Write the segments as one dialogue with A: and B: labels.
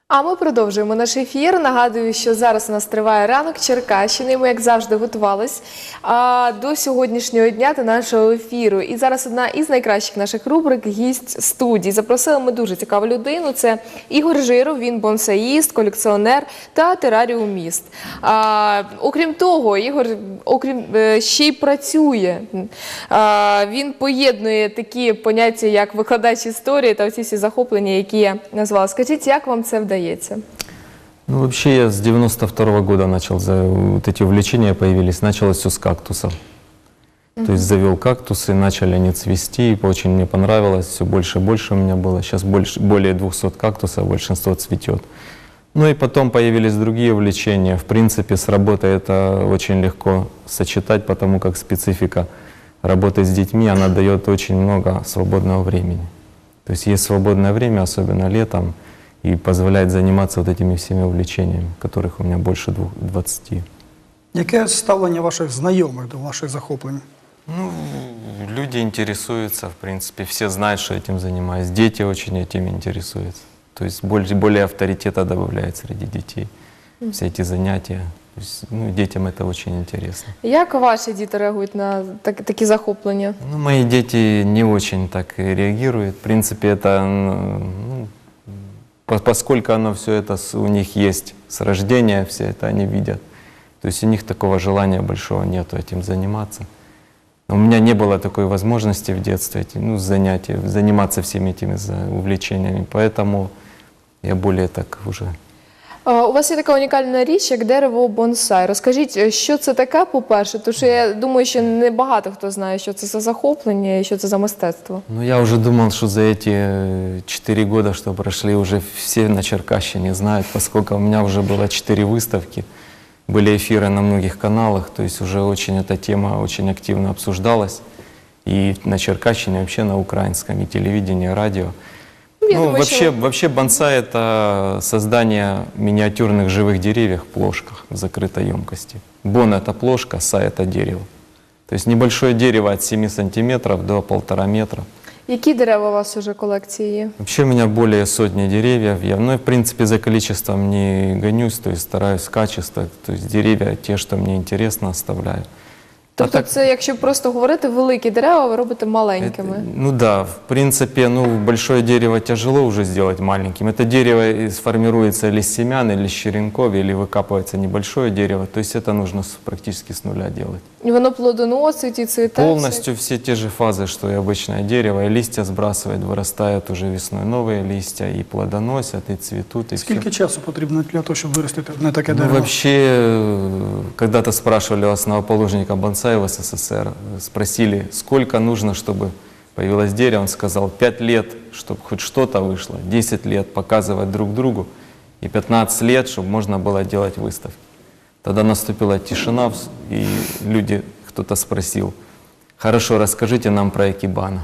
A: А ми продовжуємо наш ефір. Нагадую, що зараз у нас триває ранок Черкащини. Ми, як завжди, готувались до сьогоднішнього дня та нашого ефіру. І зараз одна із найкращих наших рубрик «Гість студії». Запросили ми дуже цікаву людину. Це Ігор Жиров, він бонсаїст, колекціонер та тераріуміст. Окрім того, Ігор ще й працює. Він поєднує такі поняття, як викладач історії та всі захоплення, які я назвала. Скажіть, як вам це вдається?
B: Ну, вообще, я с 92-го года начал, вот эти увлечения появились, началось все с кактусов. То есть завел кактусы, начали они цвести, и очень мне понравилось, все больше и больше у меня было. Сейчас более 200 кактусов, большинство цветет. Ну и потом появились другие увлечения. В принципе, с работой это очень легко сочетать, потому как специфика работы с детьми, она дает очень много свободного времени. То есть есть свободное время, особенно летом, и позволяет заниматься вот этими всеми увлечениями, которых у меня больше 20.
C: Яке ставлення ваших знайомих до ваших захоплень?
B: Ну, люди интересуются, в принципе, все знают, что этим занимаюсь. Дети очень этим интересуются. То есть более авторитета добавляет среди детей все эти занятия. То есть, ну, детям это очень интересно.
A: Як ваші діти реагують на такі захоплення?
B: Ну, мои дети не очень так реагируют. В принципе, это, ну, поскольку оно все это у них есть с рождения, все это они видят. То есть у них такого желания большого нету этим заниматься. У меня не было такой возможности в детстве, ну, заниматься всеми этими увлечениями, поэтому я более так уже...
A: У вас є така унікальна річ, як дерево бонсай. Розкажіть, що це таке, по-перше? Тому що я думаю, що не багато хто знає, що це за захоплення і що це за мистецтво.
B: Ну, я уже думал, что за эти 4 года, что прошли, уже все на Черкащине знают, поскольку у меня уже было 4 выставки, были эфиры на многих каналах, то есть уже очень эта тема очень активно обсуждалась. И на Черкащине, вообще на украинском, и телевидении, и радио. Ну, вообще бонсай – это создание миниатюрных живых деревьев в плошках в закрытой емкости. Бон – это плошка, сай – это дерево. То есть небольшое дерево от 7 сантиметров до 1,5 метра.
A: Які дерева у вас уже в колекції є?
B: Вообще у меня более сотни деревьев. Я, в принципе, за количеством не гонюсь, то есть стараюсь качество. То есть деревья, те, что мне интересно, оставляю.
A: Тобто це, якщо просто говорити, великі дерева ви робите маленькими?
B: Ну да, в принципе, ну, большое дерево тяжело уже сделать маленьким. Это дерево сформируется или с семян, или с черенков, или выкапывается небольшое дерево. То есть это нужно практически с нуля делать.
A: І воно плодоносить і цвіте?
B: Полностью все те же фазы, что и обычное дерево. И листья сбрасывает, вырастают уже весной новые листья, и плодоносят, и цветут, и все.
C: Скільки часу потрібно для того, щоб виростити на таке
B: Ну,
C: дерево?
B: вообще, когда-то спрашивали у основоположника бонсай в СССР, спросили, сколько нужно, чтобы появилось дерево. Он сказал, 5 лет, чтобы хоть что-то вышло, 10 лет показывать друг другу, и 15 лет, чтобы можно было делать выставки. Тогда наступила тишина, и люди, кто-то спросил, хорошо, расскажите нам про экибана.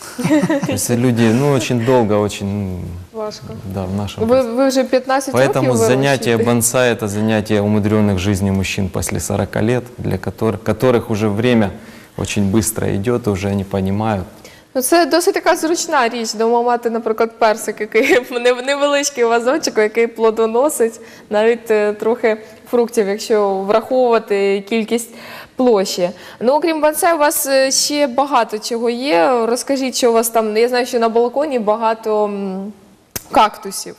B: То есть люди, ну, очень долго, очень...
A: Важко.
B: Да, в нашем...
A: Ви вже 15 років
B: Поэтому
A: вирощуєте?
B: занятие бонсай – это занятие умудренных жизнью мужчин после 40 лет, для которых уже время очень быстро идет, и уже они понимают.
A: Ну, це досить така зручна річ, дома мати, наприклад, персик, який невеличкий вазончик, який плодоносить, навіть трохи фруктів, якщо враховувати кількість площі. Ну, окрім бонсай, у вас ще багато чого є. Розкажіть, що у вас там, я знаю, що на балконі багато кактусів.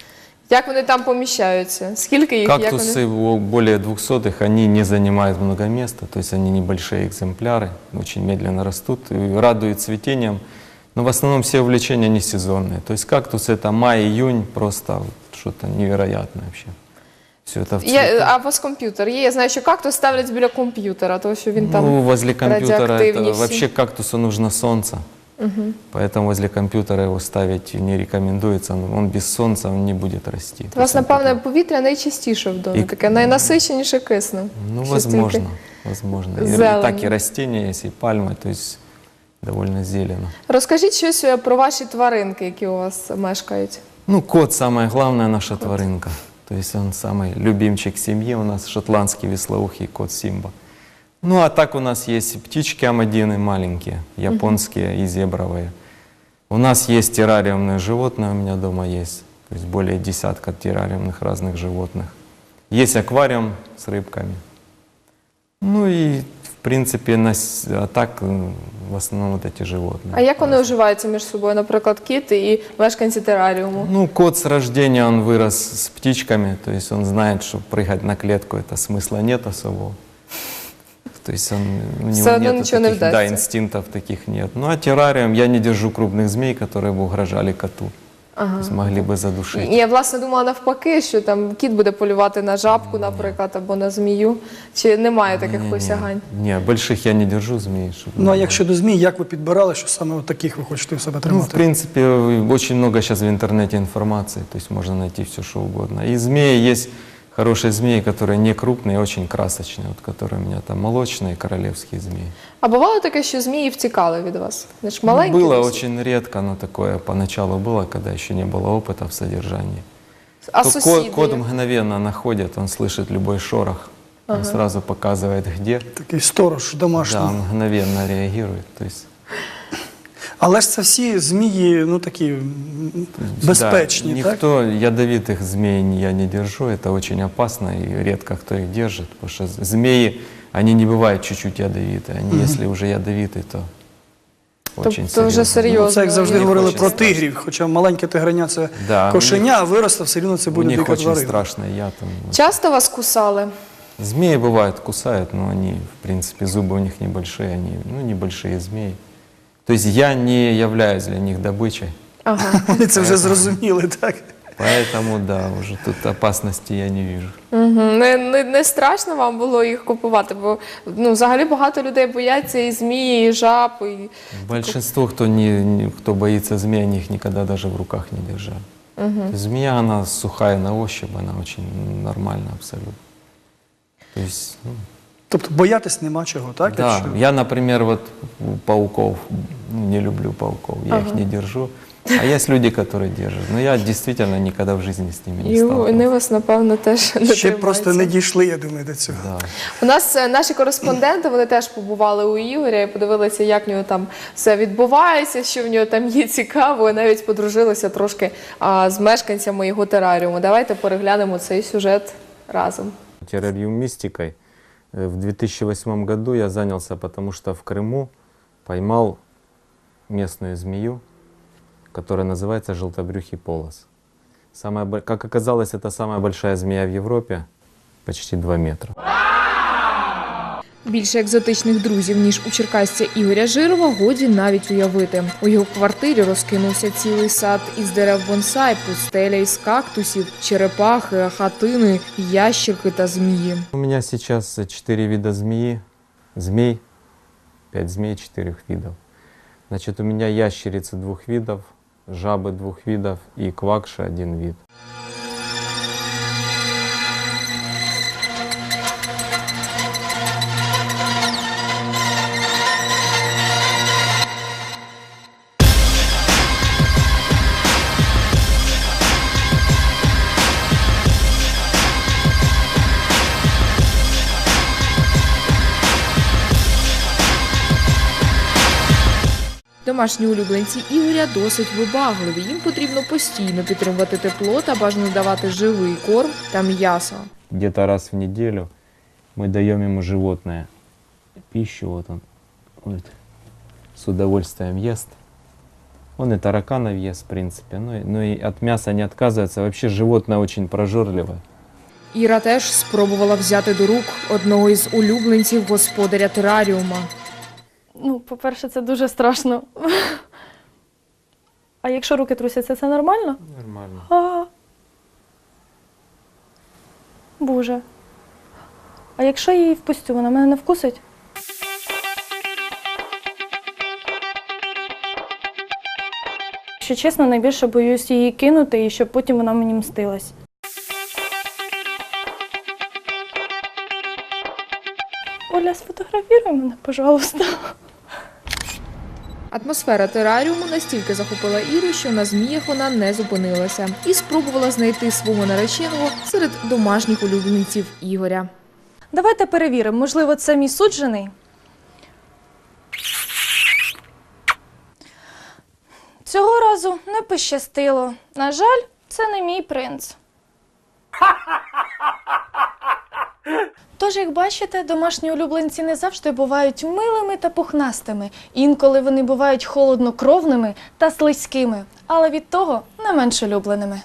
A: Як вони там поміщаються? Скільки їх?
B: Кактусы более 200, они не занимают много места, то есть они небольшие экземпляры, очень медленно растут, и радуют цветением. Но в основном все увлечения не сезонные. То есть кактус это май-июнь, просто что-то невероятное вообще. Все это в цвету.
A: А у вас комп'ютер є? Я знаю, що кактус ставлять біля комп'ютера, тому що він там
B: Ну, возле компьютера
A: радіоактивні
B: это,
A: всі.
B: вообще кактусу нужно солнце. Поэтому возле компьютера его ставить не рекомендуется. Он без солнца он не будет расти.
A: У вас, напевне, повітря найчистіше в домі, таке найнасиченіше киснем.
B: Ну,
A: Щось
B: возможно,
A: тільки
B: возможно. И
A: зелень.
B: так и растения есть, и пальмы, то есть довольно зелено.
A: Розкажіть щось про ваші тваринки, які у вас мешкають.
B: Ну, кот самая главная наша тваринка. То есть он самый любимчик семьи у нас, шотландский веслоухий кот Симба. Ну, а так у нас есть птички амадины маленькие, японские и зебровые. У нас есть террариумные животные, у меня дома есть. То есть более десятка террариумных разных животных. Есть аквариум с рыбками. Ну и, в принципе, а так в основном вот эти животные.
A: А як вони уживаються між собою, наприклад, кіт і мешканці тераріуму?
B: Ну, кот с рождения, он вырос с птичками, то есть он знает, что прыгать на клетку, это смысла нет особого. То есть у него
A: Все равно
B: нету
A: ничего не
B: таких, да,
A: вдастся.
B: инстинктов таких нет. Ну, а террариум, я не держу крупных змей, которые бы угрожали коту. То есть могли бы задушить.
A: Я, власне, думала навпаки, що там кіт буде полювати на жабку, наприклад, або на змію. Чи немає таких посягань?
B: Не, больших я не держу змей. чтобы
C: Ну а
B: не
C: як щодо змій, як ви підбирали, що саме от таких ви хочете в себе
B: Ну, в
C: тримати?
B: принципе, очень много сейчас в интернете информации, то есть можно найти все, что угодно. И змеи есть хорошие змеи, которые не крупные, очень красочные, вот которые у меня там молочные королевские змеи.
A: А бувало таке, що змії втікали від вас? Вони ж маленькі.
B: Было
A: досить.
B: очень редко, но такое поначалу было, когда еще не было опыта в содержании.
A: А
B: То
A: сусіди?
B: кот мгновенно находит, он слышит любой шорох, он сразу показывает где.
C: Такий сторож домашній.
B: Да, он мгновенно реагирует. То есть,
C: Але ж це всі змії, ну такі безпечні,
B: да,
C: так?
B: никто ядовитых змей я не держу, это очень опасно и редко кто их держит, потому что змеи, они не бывают чуть-чуть ядовитые, они если уже ядовитые, то очень
A: Тобто вже серйозно.
C: Ну, це як завжди
A: Їх
C: говорили
B: очень
C: про
B: страшно.
C: тигрів, хоча маленьке тигреня це
B: Да,
C: кошеня, а виросте, все рівно це
B: у
C: буде
B: них
C: дика
B: очень
C: тварина.
B: страшный яд.
A: Часто вас кусали?
B: Змеи бывают кусают, но они, в принципе, зубы у них небольшие, они, ну, небольшие змеи. То есть я не являюсь для них добычей,
A: Ага.
C: Вони це вже зрозуміли, так?
B: поэтому, да, уже тут опасности я не вижу.
A: Угу. Не страшно вам було їх купувати? Бо ну, взагалі багато людей бояться і змії, і жаб. І...
B: Большинство, кто боится змей, они их никогда даже в руках не держали. То есть змея, она сухая на ощупь, она очень нормальна абсолютно. То есть, ну,
C: Тобто боятись нема чого, так?
B: да,
C: Якщо-
B: я, например, вот пауков, не люблю пауков, я их не держу. А есть люди, которые держат. Но я действительно никогда в жизни с ними не
A: І вони
B: сталкивался.
A: вас, напевно, теж не
C: Ще
A: тримаються.
C: просто не дійшли, я думаю, до цього.
B: Да.
A: У нас наші кореспонденти, вони теж побували у Ігоря і подивилися, як в нього там все відбувається, що в нього там є цікаво, і навіть подружилися трошки з мешканцями його тераріуму. Давайте переглянемо цей сюжет разом.
B: Террариумистикой в 2008 году я занялся, потому что в Крыму поймал местную змею, которая называется желтобрюхий полос. Как оказалось, это самая большая змея в Европе, почти 2 метра.
A: Більше екзотичних друзів, ніж у черкасця Ігоря Жирова, годі навіть уявити. У його квартирі розкинувся цілий сад із дерев бонсай, пустеля із кактусів, черепахи, хатини, ящерки та змії.
B: У меня сейчас 4 вида змей, 5 змей 4 видов. Значит, у меня ящерицы 2 видов, жабы 2 видов и квакши 1 вид.
A: Домашні улюбленці Ігоря досить вибагливі. Їм потрібно постійно підтримувати тепло та бажано давати живий корм та м'ясо.
B: Где-то раз в неделю мы даем ему животное пищу, вот он вот, с удовольствием ест. Он и тараканов ест, в принципе, но и от мяса не отказывается. Вообще животное очень прожорливое.
A: Іра теж спробувала взяти до рук одного із улюбленців господаря тераріума.
D: Ну, по-перше, це дуже страшно. А якщо руки трусяться, це нормально?
B: Нормально.
D: А. Боже. А якщо я її впустю, вона мене не вкусить? Якщо чесно, найбільше боюсь її кинути і щоб потім вона мені мстилась. Оля, сфотографіруй мене, пожалуйста.
A: Атмосфера тераріуму настільки захопила Іру, що на зміях вона не зупинилася і спробувала знайти свого нареченого серед домашніх улюбленців Ігоря.
D: Давайте перевіримо, можливо, це мій суджений. Цього разу не пощастило. На жаль, Це не мій принц. Тож, як бачите, домашні улюбленці не завжди бувають милими та пухнастими. Інколи вони бувають холоднокровними та слизькими, але від того не менш улюбленими.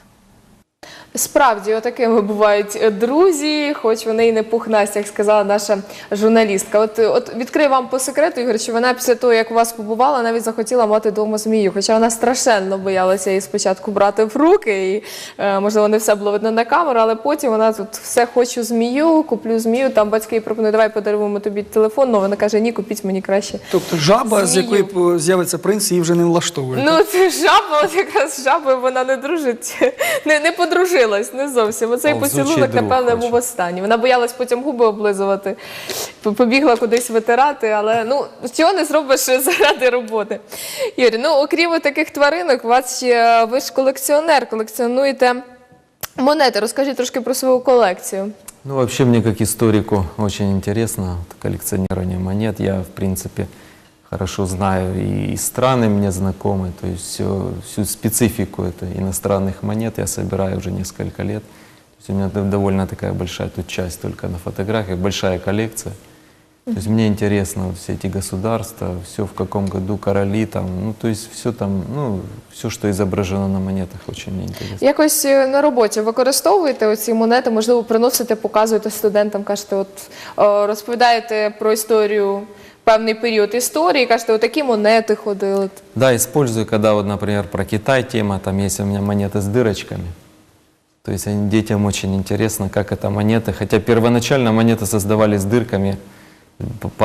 A: Справді, отакими бувають друзі, хоч вони і не пухнасті, як сказала наша журналістка. От відкрию вам по секрету, Ігор, що вона після того, як у вас побувала, навіть захотіла мати вдома змію. Хоча вона страшенно боялася її спочатку брати в руки, і, можливо, не все було видно на камеру, але потім вона тут все хочу змію, куплю змію, там батьки їй пропонують, давай подаруємо тобі телефон, але вона каже, ні, купіть мені краще.
C: Тобто жаба, з
A: Змію.
C: якої з'явиться принц, її вже не влаштовує.
A: Ну, це жаба, от якраз з жабою вона не дружить, не подружилась, не зовсім. Оцей
B: Повзучий
A: поцілунок,
B: друг
A: напевне,
B: хоче.
A: був останній. Вона боялась потім губи облизувати, побігла кудись витирати, але ну, чого не зробиш заради роботи. Юрій, ну, окрім таких тваринок, у вас ще, ви ж колекціонер, колекціонуєте монети. Розкажіть трошки про свою колекцію.
B: Ну, вообще мне как историку очень интересно вот коллекционирование монет. Я, в принципе, хорошо знаю и страны мне знакомы, то есть всю специфику иностранных монет я собираю уже несколько лет. То есть у меня довольно такая большая тут часть только на фотографиях, большая коллекция. То есть мне интересно вот все эти государства, все в каком году короли там, ну то есть все там, ну все, что изображено на монетах, очень мне интересно.
A: Якось на роботі використовуєте оці монети, можливо, приносите, показуєте студентам, кажете, от розповідаєте про історію, певний період історії, кажете, отакі монети ходили.
B: Да, использую, когда вот, например, про Китай тема, там есть у меня монеты с дырочками. То есть детям очень интересно, как это монеты, хотя первоначально монеты создавались с дырками по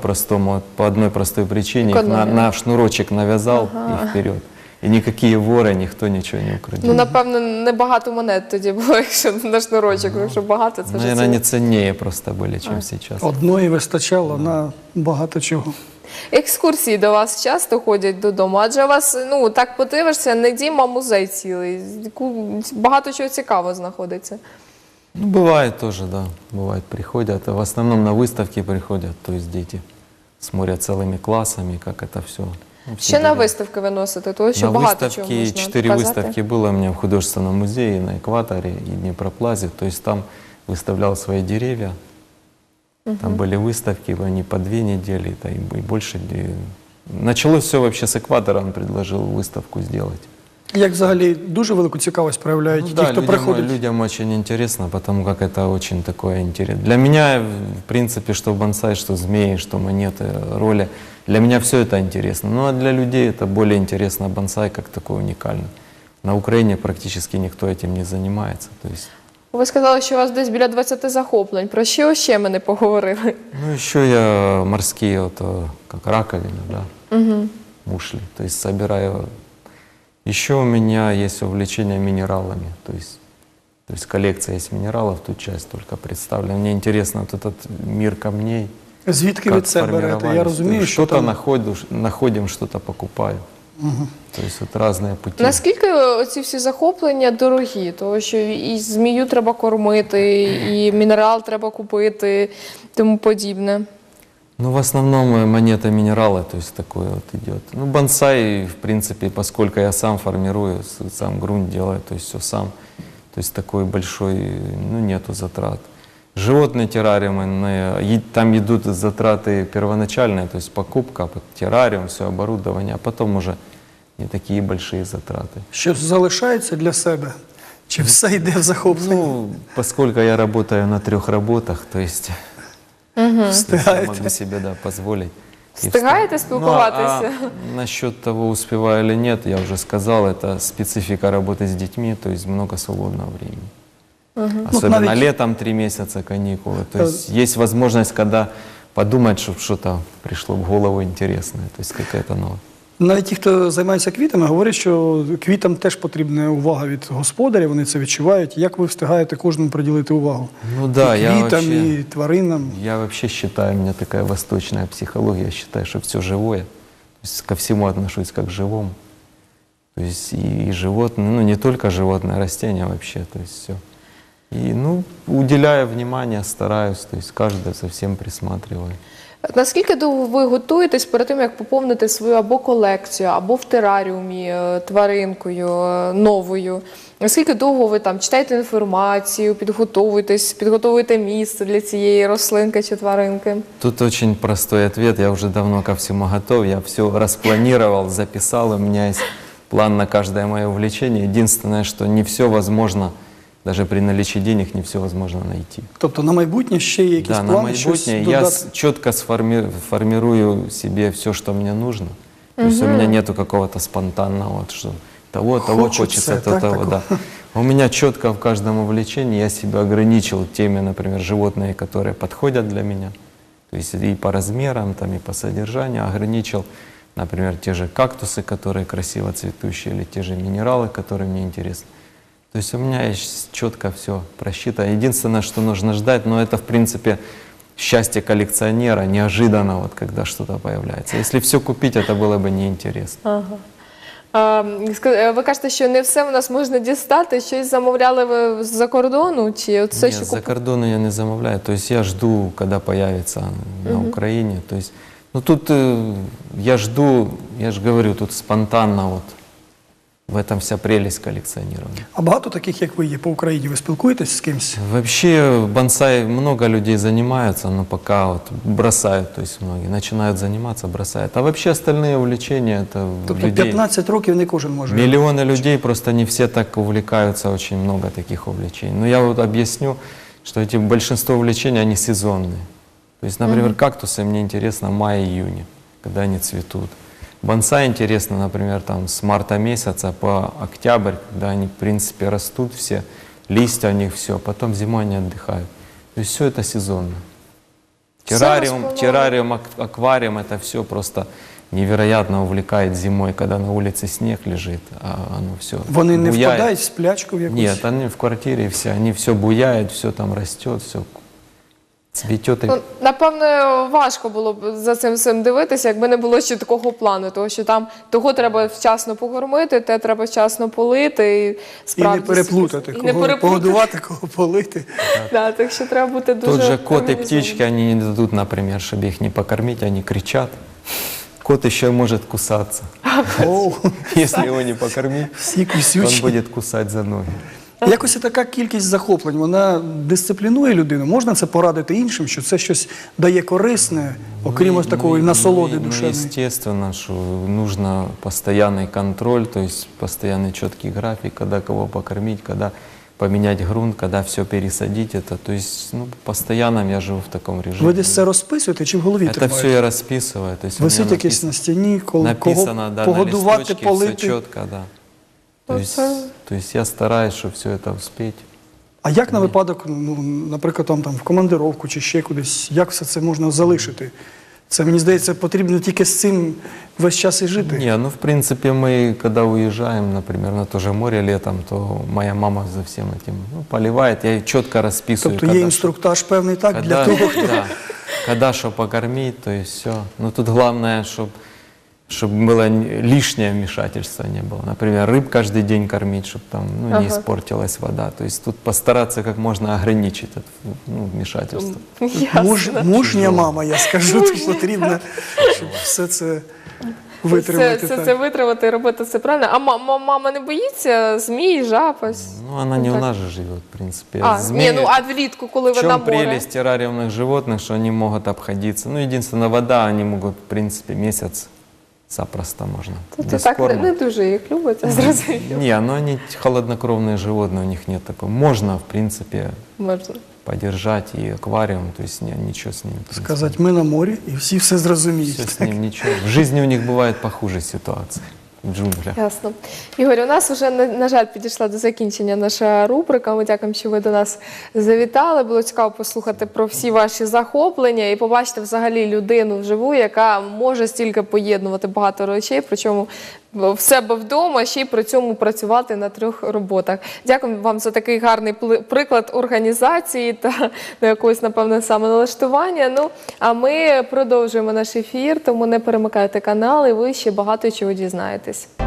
B: одной простой причине. Их
A: Экономия.
B: на шнурочек навязал и вперед. И никакие воры, никто ничего не украдет.
A: Ну, напевно, небагато монет тоді було, якщо на шнурочок, якщо багато, це вже
B: Наверное,
A: ціла.
B: они ценнее просто были, чем сейчас.
C: Одної вистачало на багато чого.
A: Екскурсії до вас часто ходять додому, адже у вас, ну, так подивишся, не дім, а музей цілий. Багато чого цікавого знаходиться.
B: Ну, бывает тоже, да, бывает, приходят. В основном на выставки приходят, то есть дети смотрят целыми классами, как это все.
A: Ще на виставки виносите, тому що
B: На
A: багато чого
B: выставке,
A: можна
B: 4
A: показати.
B: выставки было у меня в художественном музее на Экваторе и Днепроплазе. То есть там выставлял свои деревья. Там были выставки, они по 2 недели, да, и больше. Началось все вообще с Экватора, он предложил выставку сделать.
C: Як взагалі дуже велику цікавість проявляють
B: Ну
C: ті,
B: да,
C: хто приходить.
B: людям очень интересно, потому как это очень такое интересно. Для меня, в принципе, что бонсай, что змеи, что монеты, роли, для меня все это интересно. Ну а для людей это более интересно бонсай как такой уникальный. На Украине практически никто этим не занимается. То есть,
A: Ви сказали, що у вас десь біля 20 захоплень. Про що ще ми не поговорили?
B: ну еще я морские, вот, как раковины, да, мушли, то есть собираю. Еще у меня есть увлечение минералами, то есть коллекция есть минералов, тут часть только представлена. Мне интересно вот этот мир камней.
C: Звідки ви це берете? Я
B: сформировались.
C: розумію, що
B: Что-то
C: там...
B: находим, что-то покупаю. То есть вот разные пути.
A: Наскільки ці всі захоплення дорогі? Тому що і змію треба кормити, і мінерал треба купити, тому подібне.
B: Ну, в основном монеты минералы, то есть такое вот идет. Ну, бонсай, в принципе, поскольку я сам формирую, сам грунт делаю, то есть все сам. То есть такой большой, ну, нету затрат. Животные террариумы, там идут затраты первоначальные, то есть покупка, террариум, все оборудование, а потом уже не такие большие затраты.
C: Щось залишається для себе? Чи все йде в захоплення?
B: Ну, поскольку я работаю на 3 работах, то есть я
C: Встигаєте?
B: могу себе, да, позволить. И
A: Встигаєте
B: встиг-
A: спілкуватися?
B: Ну, а насчет того, успеваю или нет, я уже сказал, это специфика работы с детьми, то есть много свободного времени. Особенно
C: навіть-
B: летом 3 месяца каникулы. То есть возможность, когда подумать, чтобы что-то пришло в голову интересное, то есть какая-то новая.
C: Навіть ті, хто займається квітами, говорять, що квітам теж потрібна увага від господаря, вони це відчувають. Як ви встигаєте кожному приділити увагу?
B: Ну да,
C: І
B: я
C: квітам,
B: вообще...
C: і тваринам.
B: Я вообще считаю, у меня такая восточная психология, я считаю, что все живое. То есть ко всему отношусь как к живому. То есть и животные, ну не только животные, а растения вообще, то есть все. И, ну, уделяю внимание, стараюсь, то есть каждое совсем присматриваю.
A: Наскільки довго ви готуєтесь перед тим, як поповнити свою або колекцію, або в тераріумі тваринкою новою? Наскільки довго ви там читаєте інформацію, підготовуєте місце для цієї рослинки чи тваринки?
B: Тут очень простой ответ. Я уже давно ко всему готов. Я все распланировал, записал. У меня есть план на каждое мое увлечение. Единственное, что не все возможно, даже при наличии денег, не все возможно найти.
C: Тобто на майбутнє ще є якісь
B: Да, на
C: плани, щось
B: майбутнее я
C: додати?
B: четко формирую себе все, что мне нужно. То есть у меня нету какого-то спонтанного, вот, что того
C: Хочется,
B: хочется,
C: так,
B: того,
C: такого.
B: да. У меня четко в каждом увлечении я себя ограничил теми, например, животные, которые подходят для меня. То есть и по размерам, там, и по содержанию ограничил, например, те же кактусы, которые красиво цветущие, или те же минералы, которые мне интересны. То есть у меня есть четко все просчитано. Единственное, что нужно ждать, но это, в принципе, счастье коллекционера, неожиданно, вот, когда что-то появляется. Если все купить, это было бы неинтересно.
A: Ага. Ви кажете, що не все в нас можна дістати. Щось замовляли ви з-за кордону? Чи от все,
B: Нет,
A: що
B: за кордону я не замовляю. То есть я жду, когда появится на Украине. То есть, ну тут я жду, я же говорю, тут спонтанно вот. В этом вся прелесть коллекционирования.
C: А багато таких, як ви є по Україні, ви спілкуєтесь з кимось?
B: Вообще бонсай много людей занимаются, но пока вот бросают, то есть многие начинают заниматься, бросают. А вообще остальные увлечения это
C: Тобто
B: людей.
C: 15 років не кожен може.
B: Миллионы людей, просто не все так увлекаются, очень много таких увлечений. Но я вот объясню, что эти большинство увлечений, они сезонные. То есть, например, кактусы мне интересно в мае-июне, когда они цветут. Бонсай интересно, например, там с марта месяца по октябрь, когда они, в принципе, растут все, листья у них все, потом зимой они отдыхают. То есть все это сезонно. Террариум, аквариум, это все просто невероятно увлекает зимой, когда на улице снег лежит, а оно все
C: Вони не
B: буяет.
C: впадають в сплячку в якусь?
B: Нет, они в квартире все, они все буяют, все там растет, все цветет.
A: Ну, напевно, важко було б за цим всім дивитися, якби не було ще такого плану, тому що там того треба вчасно покормити, те треба вчасно полити. І,
C: І
A: справді,
C: не переплутати,
A: і не
C: кого
A: переплутати.
C: погодувати, кого полити.
A: Да, так що треба бути дуже
B: Тот же кот и
A: організованим.
B: птички, они не дадут, например, чтобы их не покормить, они кричат. Кот еще может кусаться.
C: Оу,
B: Если его не покормить,
C: всі
B: то он
C: кусючі.
B: будет кусать за ноги.
C: Якось така кількість захоплень, вона дисциплінує людину. Можна це порадити іншим, що це щось дає корисне, окрім ось такої насолоди душевної?
B: Естественно, что нужно постоянный контроль, то есть постоянный четкий график, когда кого покормить, когда поменять грунт, когда все пересадить. Это, то есть, ну, постоянно я живу в таком режиме.
C: Ви десь це розписуєте чи в голові
B: Это все
C: тримаєте?
B: я расписываю. То есть у меня
C: Висить якесь на стіні, кого
B: написано, да, на
C: погодувати,
B: листочке, все
C: полити.
B: четко, да.
A: Это-
B: То есть я стараюсь, чтобы все это успеть.
C: А як на випадок, ну, наприклад, там в командировку чи ще кудись, як все це можна залишити? Це, мені здається, потрібно тільки з цим весь час і жити.
B: Не, ну в принципе мы, когда уезжаем, например, на то же море летом, то моя мама за всем этим поливает, я четко расписываю.
C: Тобто є інструктаж певний так для того, хто...
B: да, когда что покормить, то есть все. Но тут главное, чтобы было лишнее вмешательство не было. Например, рыб каждый день кормить, чтобы там не
A: Ага.
B: испортилась вода. То есть тут постараться как можно ограничить это вмешательство.
A: Ясно.
C: Мужня мама, я скажу, то потрібно, щоб все це витримати.
A: Це
C: так.
A: витримати і робити це правильно. А мама не боїться змій, жаб? ось?
B: Ну, она не
A: так.
B: у нас же живет, в принципе.
A: А,
B: Змеи-
A: ні, ну а влітку, коли
B: В
A: ви на
B: чем
A: море?
B: прелесть террариумных животных, что они могут обходиться? Ну, единственное, вода, они могут, в принципе, месяц запросто можно.
A: Це
B: без
A: так
B: корма.
A: не дуже їх любить, я зрозуміло.
B: Не, ну они холоднокровные животные, у них нет такого. Можно, в принципе,
A: Можна.
B: подержать и аквариум, то есть ничего с ним. в принципе.
C: Сказати, ми на морі, і всі все зрозуміють.
B: Все с ним ничего. В жизни у них бывает похуже ситуации в джунглях.
A: Ясно. Ігор, у нас вже, на жаль, підійшла до закінчення наша рубрика. Ми дякуємо, що ви до нас завітали. Було цікаво послухати про всі ваші захоплення і побачити взагалі людину вживу, яка може стільки поєднувати багато речей, причому в себе вдома, ще й при цьому працювати на 3 роботах. Дякую вам за такий гарний приклад організації та до якогось, напевно, самоналаштування. Ну, а ми продовжуємо наш ефір, тому не перемикайте канал, і ви ще багато чого дізнаєтесь.